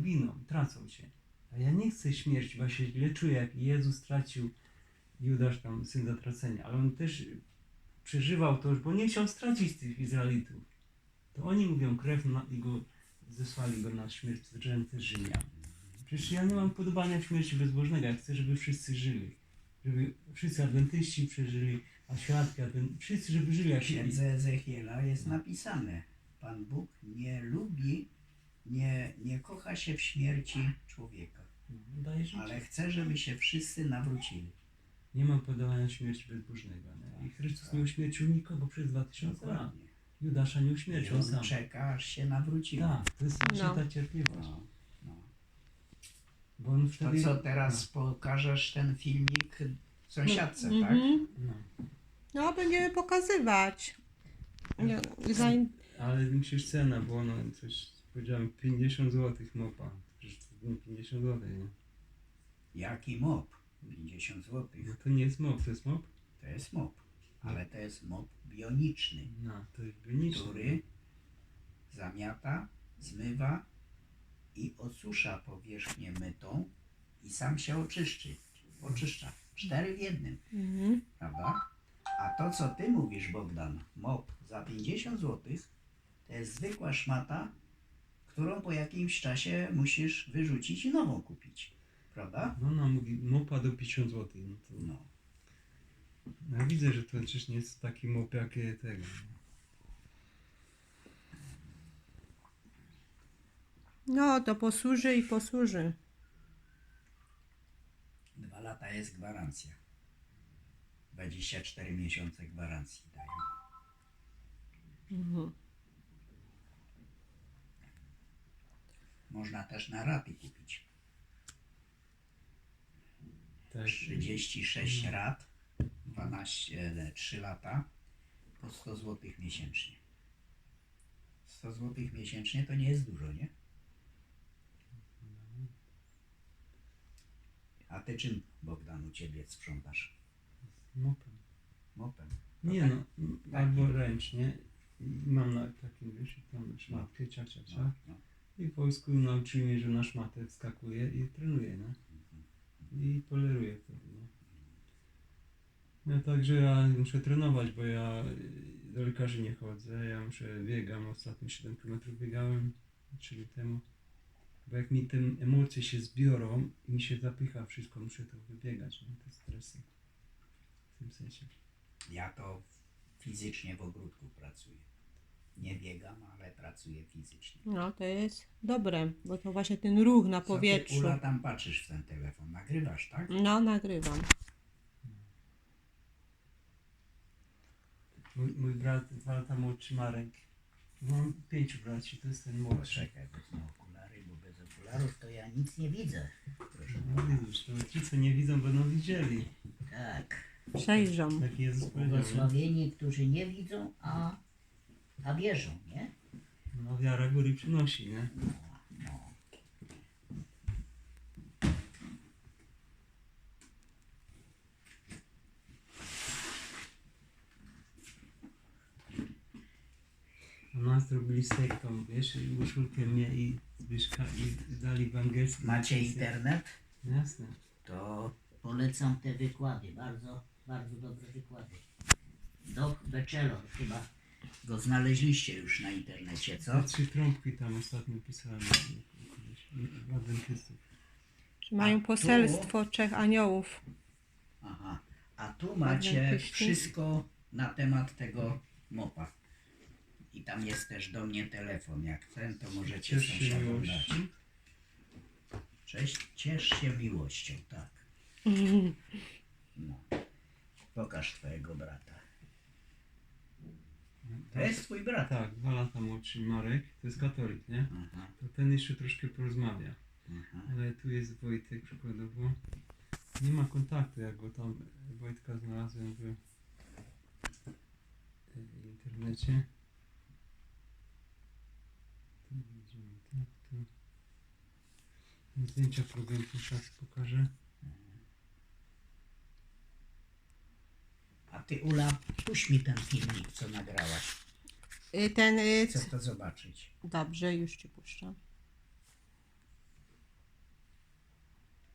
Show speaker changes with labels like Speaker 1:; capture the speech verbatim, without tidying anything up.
Speaker 1: giną, tracą się. A ja nie chcę śmierci, bo ja się źle czuję, jak Jezus stracił Judasz tam, syn zatracenia, ale on też przeżywał to już, bo nie chciał stracić tych Izraelitów. To oni mówią krew na, i go zesłali go na śmierć z ręce Rzymian. Przecież ja nie mam podobania w śmierci bezbożnego, ja chcę, żeby wszyscy żyli. Żeby wszyscy adwentyści przeżyli, a świadki, adwen... wszyscy, żeby żyli jak
Speaker 2: W księdze Ezechiela jest napisane: Pan Bóg nie lubi, nie, nie kocha się w śmierci człowieka,
Speaker 1: daje życie.
Speaker 2: ale chce, żeby się wszyscy nawrócili.
Speaker 1: Nie mam podobania śmierci bezbożnego. Nie? I Chrystus nie uśmiercił nikogo przez dwa tysiące lat.
Speaker 2: Dokładnie.
Speaker 1: Judasza nie
Speaker 2: I
Speaker 1: uśmiercił
Speaker 2: on
Speaker 1: sam.
Speaker 2: czeka, aż się nawrócili.
Speaker 1: Tak, to jest właśnie
Speaker 3: No.
Speaker 1: ta cierpliwość.
Speaker 2: No, no.
Speaker 1: Bo on
Speaker 2: To
Speaker 1: wtedy...
Speaker 2: co, teraz pokażesz ten filmik sąsiadce, tak?
Speaker 3: Mhm.
Speaker 1: No.
Speaker 3: No, będziemy pokazywać. No, zain...
Speaker 1: Ale musisz cena, bo ono coś, powiedziałem, pięćdziesiąt złotych mopa. Przecież to nie pięćdziesiąt złotych, nie?
Speaker 2: Jaki mop? pięćdziesiąt złotych.
Speaker 1: No to nie jest mop, to jest mop?
Speaker 2: To jest mop, ale to jest mop bioniczny,
Speaker 1: No, to jest bioniczny.
Speaker 2: który zamiata, zmywa i osusza powierzchnię mytą i sam się oczyszczy. Oczyszcza. Cztery w jednym,
Speaker 3: Mhm.
Speaker 2: prawda? A to, co ty mówisz, Bogdan, mop za pięćdziesiąt złotych, to jest zwykła szmata, którą po jakimś czasie musisz wyrzucić i nową kupić. Prawda?
Speaker 1: No, ona mówi mopa do pięćdziesiąt złotych. No to...
Speaker 2: No.
Speaker 1: No, ja widzę, że to przecież nie jest taki mop jak tego.
Speaker 3: No, to posłuży i posłuży.
Speaker 2: Dwa lata jest gwarancja. dwadzieścia cztery miesiące gwarancji dają.
Speaker 3: Mhm.
Speaker 2: Można też na raty kupić.
Speaker 1: Tak.
Speaker 2: trzydzieści sześć rat, dwanaście, trzy lata, po sto złotych miesięcznie. sto złotych miesięcznie to nie jest dużo, nie? A ty czym, Bogdan, u ciebie sprzątasz?
Speaker 1: Mopem.
Speaker 2: Mopem.
Speaker 1: Nie
Speaker 2: tak?
Speaker 1: no, albo ręcznie. I mam na takim, wiesz, tam szmatkę, cia, cia, cia.
Speaker 2: No, no.
Speaker 1: I w wojsku nauczyli mnie, że na szmatę wskakuje i trenuje, nie? I poleruje wtedy, nie? No także ja muszę trenować, bo ja do lekarzy nie chodzę, ja muszę, biegam, ostatnio siedem kilometrów biegałem, trzy lata temu. Bo jak mi te emocje się zbiorą i mi się zapycha wszystko, muszę to wybiegać, nie? Te stresy. W tym sensie.
Speaker 2: Ja to fizycznie w ogródku pracuję. Nie biegam, ale pracuję fizycznie.
Speaker 3: No, to jest dobre, bo to właśnie ten ruch na
Speaker 2: Co ty,
Speaker 3: powietrzu.
Speaker 2: Ula, tam patrzysz w ten telefon? Nagrywasz, tak?
Speaker 3: No, nagrywam.
Speaker 1: Mój, mój brat, dwa lata młodszy Marek. Mam pięciu braci, to jest ten młodszy.
Speaker 2: Poczekaj, wezmę okulary, bo bez okularów to ja nic nie widzę. Proszę
Speaker 1: No
Speaker 2: pana.
Speaker 1: widzisz, to ci co nie widzą będą widzieli.
Speaker 2: Tak.
Speaker 3: Przejrzą.
Speaker 1: Tak Jezus powiedział, nie?
Speaker 2: Błogosławieni, którzy nie widzą, a, a wierzą, nie?
Speaker 1: No wiara góry przynosi, nie?
Speaker 2: No.
Speaker 1: A nas zrobili sektą, wiesz, i uszulkiem mnie i Zbyszka i dali w angielski.
Speaker 2: Macie internet?
Speaker 1: Jasne.
Speaker 2: To polecam te wykłady. Bardzo, bardzo dobre wykłady. Doc Beczelor chyba go znaleźliście już na internecie, co?
Speaker 1: Te trzy trąbki tam ostatnio pisałem kogoś, adwentystów.
Speaker 3: Że mają
Speaker 2: A tu-
Speaker 3: poselstwo trzech aniołów.
Speaker 2: Aha. A tu macie
Speaker 3: Adwentyści.
Speaker 2: wszystko na temat tego mopa. I tam jest też do mnie telefon. Jak ten, to możecie
Speaker 1: Ciesz się
Speaker 2: sąsiadom dać.
Speaker 1: miłości.
Speaker 2: Cześć, ciesz się miłością, tak. No. Pokaż twojego brata. To jest twój brat.
Speaker 1: Tak, dwa lata młodszy Marek, to jest katolik, nie?
Speaker 2: Aha,
Speaker 1: To ten jeszcze troszkę porozmawia.
Speaker 2: aha.
Speaker 1: Ale tu jest Wojtek przykładowo. Nie ma kontaktu, jak go tam Wojtka znalazłem w w internecie. Tu widzimy, tak, tu. Zdjęcia programu czas pokażę.
Speaker 2: A ty, Ula, puść mi ten filmik, co nagrałaś.
Speaker 3: Y, Ten, y,
Speaker 2: Chcę to zobaczyć.
Speaker 3: dobrze, już ci puszczam.